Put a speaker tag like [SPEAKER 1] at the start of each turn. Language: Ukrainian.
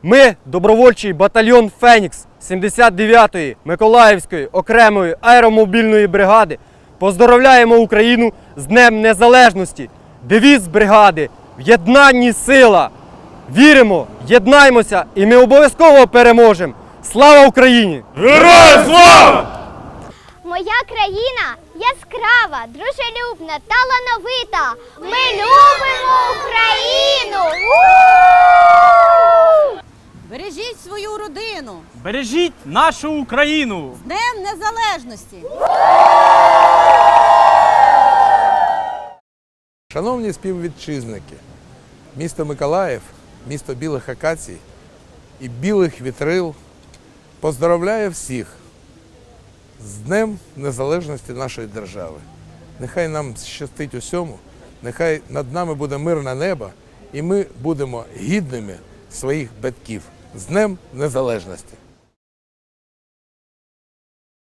[SPEAKER 1] Ми, добровольчий батальйон «Фенікс» 79-ї Миколаївської окремої аеромобільної бригади, поздоровляємо Україну з Днем Незалежності. Девіз бригади – «В єднанні сила». Віримо, єднаймося і ми обов'язково переможемо. Слава Україні!
[SPEAKER 2] Героям слава!
[SPEAKER 3] Моя країна яскрава, дружелюбна, талановита. Ми любимо Україну!
[SPEAKER 4] Бережіть свою родину!
[SPEAKER 2] Бережіть нашу Україну!
[SPEAKER 4] З Днем Незалежності!
[SPEAKER 5] Шановні співвітчизники, місто Миколаїв, місто білих акацій і білих вітрил поздоровляє всіх з Днем Незалежності нашої держави. Нехай нам щастить усьому, нехай над нами буде мирне небо і ми будемо гідними своїх батьків. З Днем Незалежності!